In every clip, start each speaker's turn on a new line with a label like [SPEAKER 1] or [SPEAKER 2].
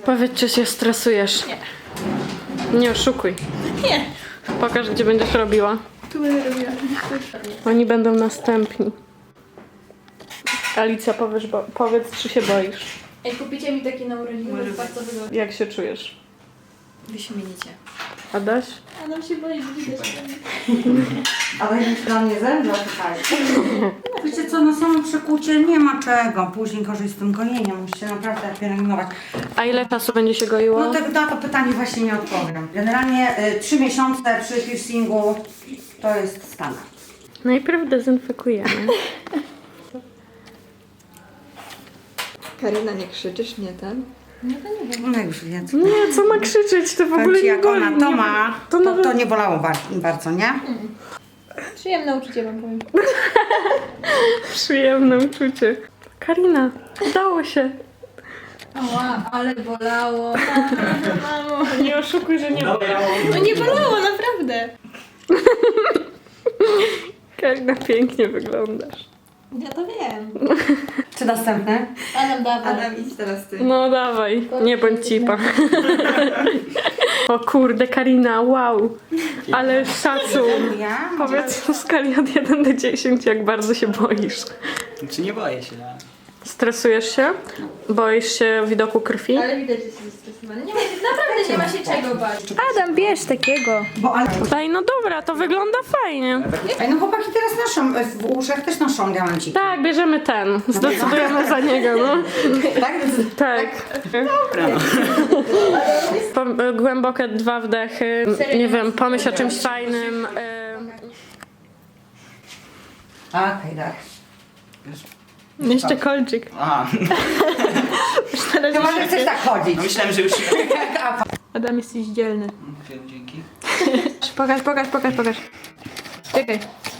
[SPEAKER 1] Powiedz, czy się stresujesz.
[SPEAKER 2] Nie.
[SPEAKER 1] Nie oszukuj.
[SPEAKER 2] Nie.
[SPEAKER 1] Pokaż, gdzie będziesz robiła.
[SPEAKER 2] Tu będę robiła.
[SPEAKER 1] Oni będą następni. Alicja, powiedz, czy się boisz.
[SPEAKER 2] Ej, kupicie mi takie na urodziny, bo bardzo wygodnie.
[SPEAKER 1] Jak się czujesz?
[SPEAKER 2] Wyśmienicie.
[SPEAKER 1] Adaś?
[SPEAKER 2] Adam się boi, że widać.
[SPEAKER 3] Ale już dla mnie zemdlał tutaj. Wiecie co, na samo przekucie nie ma czego. Później gorzej z tym gonieniem. Musicie naprawdę pielęgnować.
[SPEAKER 1] A ile czasu będzie się goiło?
[SPEAKER 3] No na to pytanie właśnie nie odpowiem. Generalnie 3 miesiące przy piercingu to jest standard.
[SPEAKER 1] Najpierw dezynfekujemy.
[SPEAKER 2] Karina, nie krzyczysz, nie ten?
[SPEAKER 3] No już wiedzą.
[SPEAKER 1] Nie, co ma krzyczeć? To w ogóle nie
[SPEAKER 3] Jak
[SPEAKER 1] boli.
[SPEAKER 3] ona to ma,
[SPEAKER 1] nawet-
[SPEAKER 3] to nie bolało bardzo, nie?
[SPEAKER 2] Przyjemne uczucie wam powiem.
[SPEAKER 1] Przyjemne uczucie. Karina, udało się.
[SPEAKER 2] Ała, ale bolało. Mamo.
[SPEAKER 1] Nie oszukuj, że nie bolało.
[SPEAKER 2] No nie bolało, naprawdę.
[SPEAKER 1] Karina, pięknie wyglądasz.
[SPEAKER 2] Ja to wiem.
[SPEAKER 3] Czy następny?
[SPEAKER 2] Adam, dawaj.
[SPEAKER 4] Adam, idź teraz ty.
[SPEAKER 1] No dawaj, nie bądź cipa. O kurde, Karina, wow. Ale szacun.
[SPEAKER 3] Ja?
[SPEAKER 1] Powiedz w skali od 1 do 10, jak bardzo się boisz.
[SPEAKER 5] Czy nie boję się?
[SPEAKER 1] Stresujesz się? Boisz się widoku krwi?
[SPEAKER 2] Ale widać, że jesteś zestresowany. Nie ma się, naprawdę nie ma się czego bać. Adam, bierz takiego.
[SPEAKER 3] Bo ale...
[SPEAKER 1] Ej, no dobra, to wygląda fajnie.
[SPEAKER 3] Ej, no chłopaki teraz noszą, w uszach też noszą diamenciki.
[SPEAKER 1] Tak, bierzemy ten. Zdecydujemy za niego, no.
[SPEAKER 3] Tak?
[SPEAKER 1] Tak. Głębokie 2 wdechy. Nie wiem, pomyśl o czymś fajnym.
[SPEAKER 3] Okej, tak.
[SPEAKER 1] Jeszcze kolczyk.
[SPEAKER 5] Aha,
[SPEAKER 3] Chyba, że chcesz tak chodzić.
[SPEAKER 5] no myślałem, że już...
[SPEAKER 1] Adam, jesteś dzielny.
[SPEAKER 5] Dzięki.
[SPEAKER 2] Pokaż. Czekaj.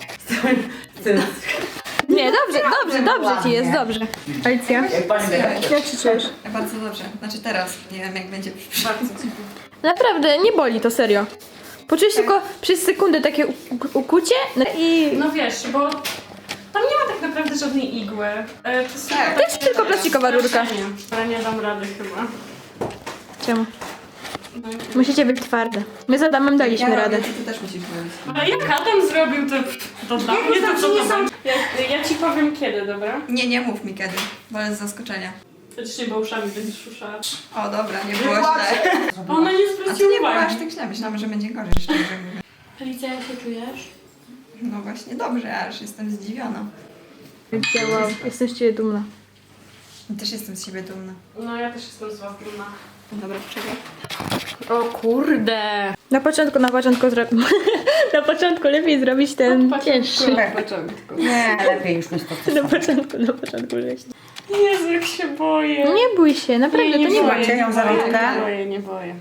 [SPEAKER 2] Nie, dobrze ci jest, dobrze. Alicja, jak się czujesz?
[SPEAKER 4] Bardzo dobrze. Znaczy teraz. Nie wiem jak będzie bardzo.
[SPEAKER 2] Naprawdę, nie boli to, serio. Poczujesz tylko przez sekundę takie ukucie no i...
[SPEAKER 1] No wiesz, bo tam nie ma tak naprawdę żadnej igły.
[SPEAKER 2] To jest tylko plastikowa rurka.
[SPEAKER 1] Ale nie dam rady chyba.
[SPEAKER 2] Czemu? Musicie być twarde. My z Adamem daliśmy radę.
[SPEAKER 4] Ty też musisz mówić.
[SPEAKER 1] Ale jak Adam zrobił to dla mnie, to co to będzie? Ja ci powiem kiedy, dobra?
[SPEAKER 4] Nie mów mi kiedy, bo jest z zaskoczenia.
[SPEAKER 1] Faktycznie, bo uszami będziesz szuszała.
[SPEAKER 4] O dobra, nie było źle.
[SPEAKER 1] Ona nie
[SPEAKER 4] A to
[SPEAKER 1] zwróciła
[SPEAKER 4] nie było aż
[SPEAKER 1] uwagi.
[SPEAKER 4] tak źle. Myślałam, że będzie gorzej, szczerze mówiąc.
[SPEAKER 1] Alicja, jak się czujesz?
[SPEAKER 4] No właśnie, dobrze, aż jestem zdziwiona.
[SPEAKER 2] Wow, jestem z ciebie dumna.
[SPEAKER 4] Też jestem z siebie dumna.
[SPEAKER 1] No ja też jestem z was dumna.
[SPEAKER 4] Dobra, czekaj.
[SPEAKER 1] O kurde!
[SPEAKER 2] Na początku Na początku lepiej zrobić ten cięższy.
[SPEAKER 3] Nie, lepiej już mieć to.
[SPEAKER 2] Na początku żeś.
[SPEAKER 1] Jezu, jak się boję.
[SPEAKER 2] Nie bój się, naprawdę, to nie
[SPEAKER 1] boję,
[SPEAKER 2] bój.
[SPEAKER 3] Macie ją za rączkę?
[SPEAKER 1] Nie boję.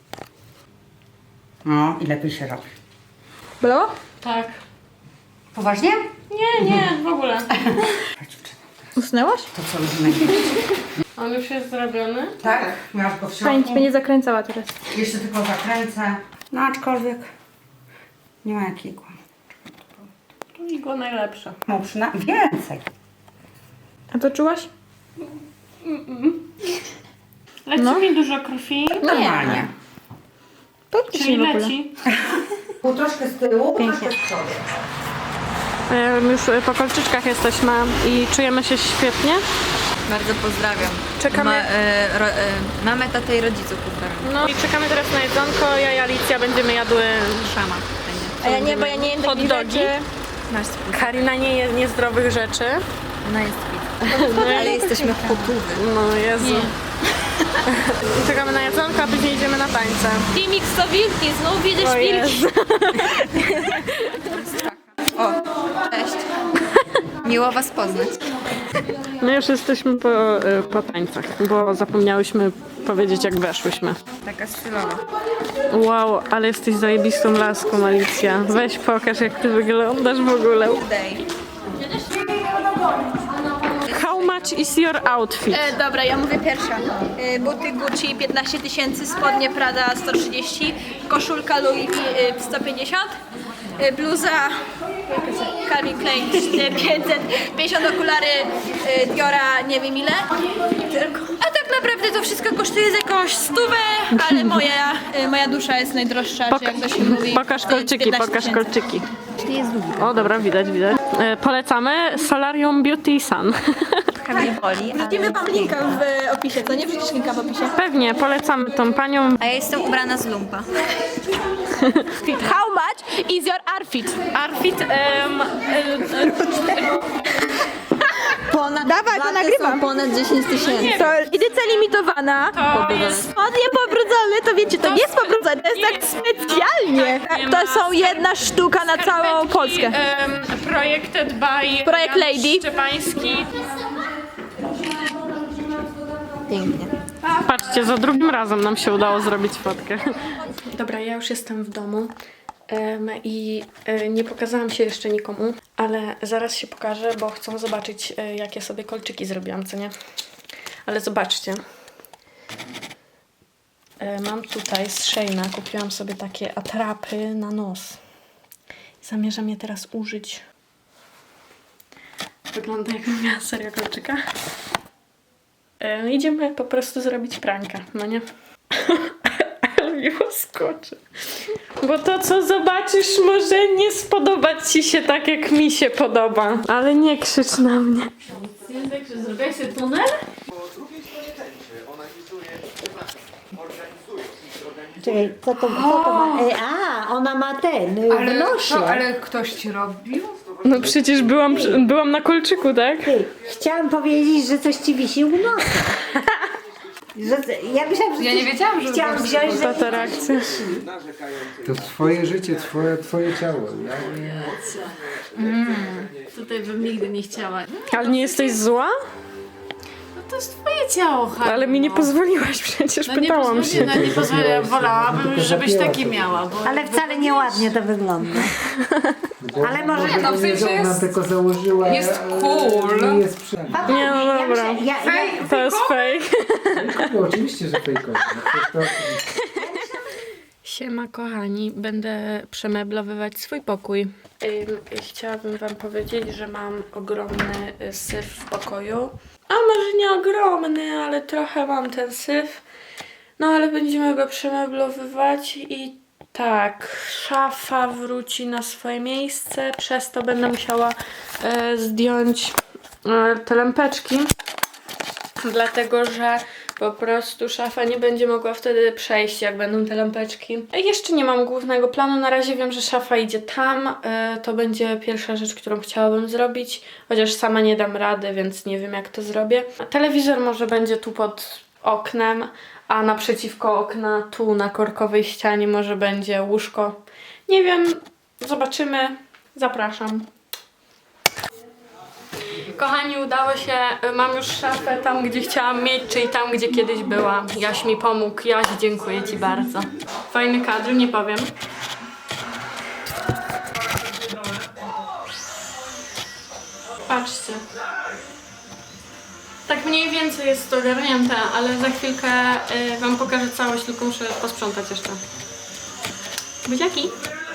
[SPEAKER 3] No i lepiej się robi.
[SPEAKER 2] Bolało?
[SPEAKER 1] Tak.
[SPEAKER 3] Poważnie?
[SPEAKER 1] Nie, w ogóle.
[SPEAKER 2] Usnęłaś?
[SPEAKER 3] To co robimy?
[SPEAKER 1] On już jest zrobiony?
[SPEAKER 3] Tak? Miałaś go w
[SPEAKER 2] Fajnie ci
[SPEAKER 3] środku.
[SPEAKER 2] będzie zakręcała teraz.
[SPEAKER 3] Jeszcze tylko zakręcę. No aczkolwiek nie ma jakiego.
[SPEAKER 1] To igła najlepsza.
[SPEAKER 3] No przynajmniej więcej.
[SPEAKER 2] A to czułaś?
[SPEAKER 1] Leci mi dużo krwi.
[SPEAKER 3] Normalnie.
[SPEAKER 2] Praktycznie
[SPEAKER 1] Czyli
[SPEAKER 2] w ogóle.
[SPEAKER 1] leci.
[SPEAKER 3] Pół troszkę z tyłu, troszkę z przodu.
[SPEAKER 1] Już po kolczyczkach jesteśmy i czujemy się świetnie.
[SPEAKER 4] Bardzo pozdrawiam.
[SPEAKER 1] Czekamy.
[SPEAKER 4] Mamę, tatę i rodziców pozdrawiam.
[SPEAKER 1] No i czekamy teraz na jedzonko. Ja i Alicja będziemy jadły
[SPEAKER 4] Szama.
[SPEAKER 2] A ja nie, bo ja nie jem
[SPEAKER 1] hot
[SPEAKER 2] takich
[SPEAKER 1] dogi.
[SPEAKER 2] rzeczy.
[SPEAKER 4] Nasz spód.
[SPEAKER 1] Karina nie je niezdrowych rzeczy.
[SPEAKER 4] Ona jest fit. Ale jesteśmy potówy.
[SPEAKER 1] No Jezu. Czekamy na jedzonko, a później idziemy na tańce.
[SPEAKER 2] Filmik 100 wilki, znów widzisz
[SPEAKER 1] O
[SPEAKER 2] wilki.
[SPEAKER 1] Jezu.
[SPEAKER 4] O, cześć. Miło was poznać.
[SPEAKER 1] My już jesteśmy po tańcach, bo zapomniałyśmy powiedzieć, jak weszłyśmy.
[SPEAKER 4] Taka stylowa.
[SPEAKER 1] Wow, ale jesteś zajebistą laską, Alicja. Weź pokaż, jak ty wyglądasz w ogóle. How much is your outfit?
[SPEAKER 2] Dobra, ja mówię pierwsza. Buty Gucci 15 000, spodnie Prada 130, koszulka Louis V 150, bluza Calvin Klein 550 okulary Diora nie wiem ile. A tak naprawdę to wszystko kosztuje z jakąś 100, ale moja dusza jest najdroższa, czy jak to się mówi.
[SPEAKER 1] Pokaż kolczyki,
[SPEAKER 2] 15
[SPEAKER 1] pokaż
[SPEAKER 2] 000.
[SPEAKER 1] kolczyki. O, dobra, widać. Polecamy Solarium Beauty Sun.
[SPEAKER 4] Mnie boli,
[SPEAKER 2] Wrzucimy wam linka w opisie, co nie? Wrzucisz linka w opisie?
[SPEAKER 1] Pewnie, polecamy tą panią.
[SPEAKER 4] a ja jestem ubrana z lumpa.
[SPEAKER 2] How much is your outfit?
[SPEAKER 1] Arfit,
[SPEAKER 2] Dawaj, to nagrywam.
[SPEAKER 4] Ponad 10 000.
[SPEAKER 2] To edycja limitowana.
[SPEAKER 1] to jest...
[SPEAKER 2] Spodnie pobrudzone, to wiecie, to nie jest pobrudzone, to jest tak specjalnie. To są jedna sztuka na całą Polskę.
[SPEAKER 1] Projected by
[SPEAKER 2] Projekt
[SPEAKER 1] Jan
[SPEAKER 2] Lady.
[SPEAKER 1] Szczepański.
[SPEAKER 4] Pięknie.
[SPEAKER 1] Patrzcie, za drugim razem nam się udało zrobić fotkę. Dobra, ja już jestem w domu i nie pokazałam się jeszcze nikomu, ale zaraz się pokażę, bo chcą zobaczyć, jakie sobie kolczyki zrobiłam, co nie? Ale zobaczcie. Mam tutaj z Sheina, kupiłam sobie takie atrapy na nos. Zamierzam je teraz użyć. Wygląda jakbym miała serio kolczyka. Idziemy po prostu zrobić pranka, no nie? Ale mi łaskoczy. Bo to, co zobaczysz, może nie spodobać ci się tak, jak mi się podoba. Ale nie krzycz na mnie. Zrobiłeś sobie tunel?
[SPEAKER 6] Czekaj, co to ma? Ona ma ten, w nosie.
[SPEAKER 3] Ale ktoś ci robił?
[SPEAKER 1] No przecież byłam na kolczyku, tak?
[SPEAKER 6] Ty, chciałam powiedzieć, że coś ci wisi u nosa. Ja myślałam, że
[SPEAKER 3] Ja nie wiedziałam, że
[SPEAKER 6] chciałam wziąć, że
[SPEAKER 1] Ta reakcja.
[SPEAKER 7] To twoje życie, twoje ciało.
[SPEAKER 8] Tutaj bym nigdy nie chciała.
[SPEAKER 1] Ale nie jesteś zła?
[SPEAKER 8] No to jest twoje ciało, Hania.
[SPEAKER 1] Ale mi nie pozwoliłaś przecież, pytałam się.
[SPEAKER 8] No nie pozwolę, wolałabym, żebyś taki miała. Bo
[SPEAKER 6] ale wcale nieładnie to wygląda. Ale może...
[SPEAKER 7] No, w sensie ona tylko założyła.
[SPEAKER 3] jest cool.
[SPEAKER 7] Nie jest przynajmniej.
[SPEAKER 1] Nie, no
[SPEAKER 6] Ja
[SPEAKER 1] dobra.
[SPEAKER 6] myślę,
[SPEAKER 1] To jest fake.
[SPEAKER 7] No, oczywiście, że fejkowe. No,
[SPEAKER 1] Siema kochani, będę przemeblowywać swój pokój. Chciałabym wam powiedzieć, że mam ogromny syf w pokoju. A może nie ogromny, ale trochę mam ten syf. No ale będziemy go przemeblowywać i tak, szafa wróci na swoje miejsce. Przez to będę musiała zdjąć te lampeczki. Dlatego, że po prostu szafa nie będzie mogła wtedy przejść, jak będą te lampeczki. Jeszcze nie mam głównego planu. Na razie wiem, że szafa idzie tam. To będzie pierwsza rzecz, którą chciałabym zrobić. Chociaż sama nie dam rady, więc nie wiem, jak to zrobię. Telewizor może będzie tu pod oknem, a naprzeciwko okna, tu na korkowej ścianie może będzie łóżko. Nie wiem, zobaczymy. Zapraszam. Kochani, udało się, mam już szafę tam, gdzie chciałam mieć, czyli tam, gdzie kiedyś była. Jaś mi pomógł. Jaś, dziękuję ci bardzo. Fajny kadr, nie powiem. Patrzcie. Tak mniej więcej jest to ogarnięte, ale za chwilkę wam pokażę całość, tylko muszę posprzątać jeszcze. Buziaki!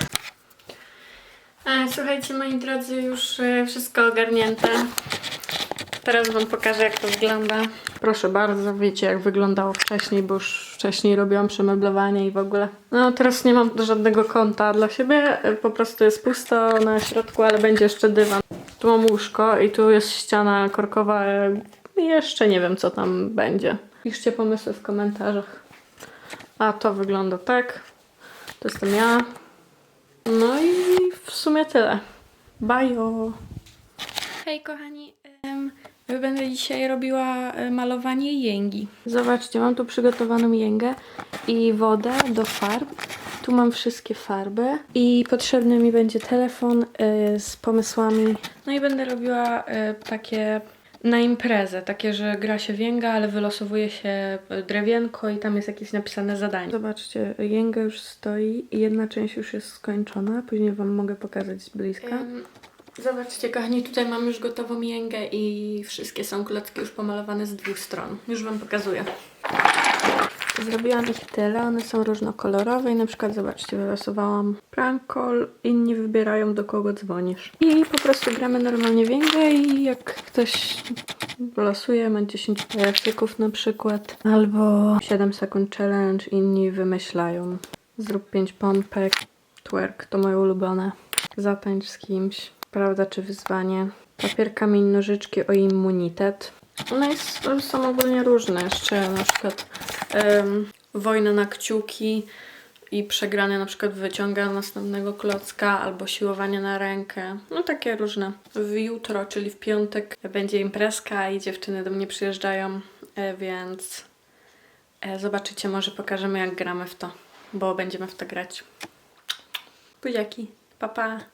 [SPEAKER 1] Słuchajcie, moi drodzy, już wszystko ogarnięte. Teraz wam pokażę, jak to wygląda. Proszę bardzo, wiecie, jak wyglądało wcześniej, bo już wcześniej robiłam przemeblowanie i w ogóle. No, teraz nie mam żadnego kąta dla siebie, po prostu jest pusto na środku, ale będzie jeszcze dywan. Tu mam łóżko i tu jest ściana korkowa. Jeszcze nie wiem, co tam będzie. Piszcie pomysły w komentarzach. A to wygląda tak. To jestem ja. No i w sumie tyle. Bajo! Hej kochani, będę dzisiaj robiła malowanie jęgi. Zobaczcie, mam tu przygotowaną jęgę i wodę do farb. Tu mam wszystkie farby i potrzebny mi będzie telefon z pomysłami. No i będę robiła takie na imprezę, takie, że gra się w jęga, ale wylosowuje się drewienko i tam jest jakieś napisane zadanie. Zobaczcie, jęga już stoi i jedna część już jest skończona, później wam mogę pokazać z bliska. Zobaczcie kochani, tutaj mam już gotową jęgę i wszystkie są klocki już pomalowane z dwóch stron. Już wam pokazuję. Zrobiłam ich tyle, one są różnokolorowe i na przykład zobaczcie, wylosowałam prank call, inni wybierają do kogo dzwonisz. I po prostu gramy normalnie w Ingę i jak ktoś losuje, ma 10 pajacyków na przykład, albo 7 sekund challenge, inni wymyślają. Zrób 5 pompek, twerk to moje ulubione. Zatańcz z kimś, prawda czy wyzwanie. Papier, kamień, nożyczki o immunitet. Są ogólnie różne. Jeszcze na przykład wojna na kciuki i przegrany na przykład wyciąga następnego klocka albo siłowanie na rękę. No takie różne. Jutro, czyli w piątek będzie imprezka i dziewczyny do mnie przyjeżdżają, więc zobaczycie, może pokażemy jak gramy w to, bo będziemy w to grać. Buziaki, pa pa!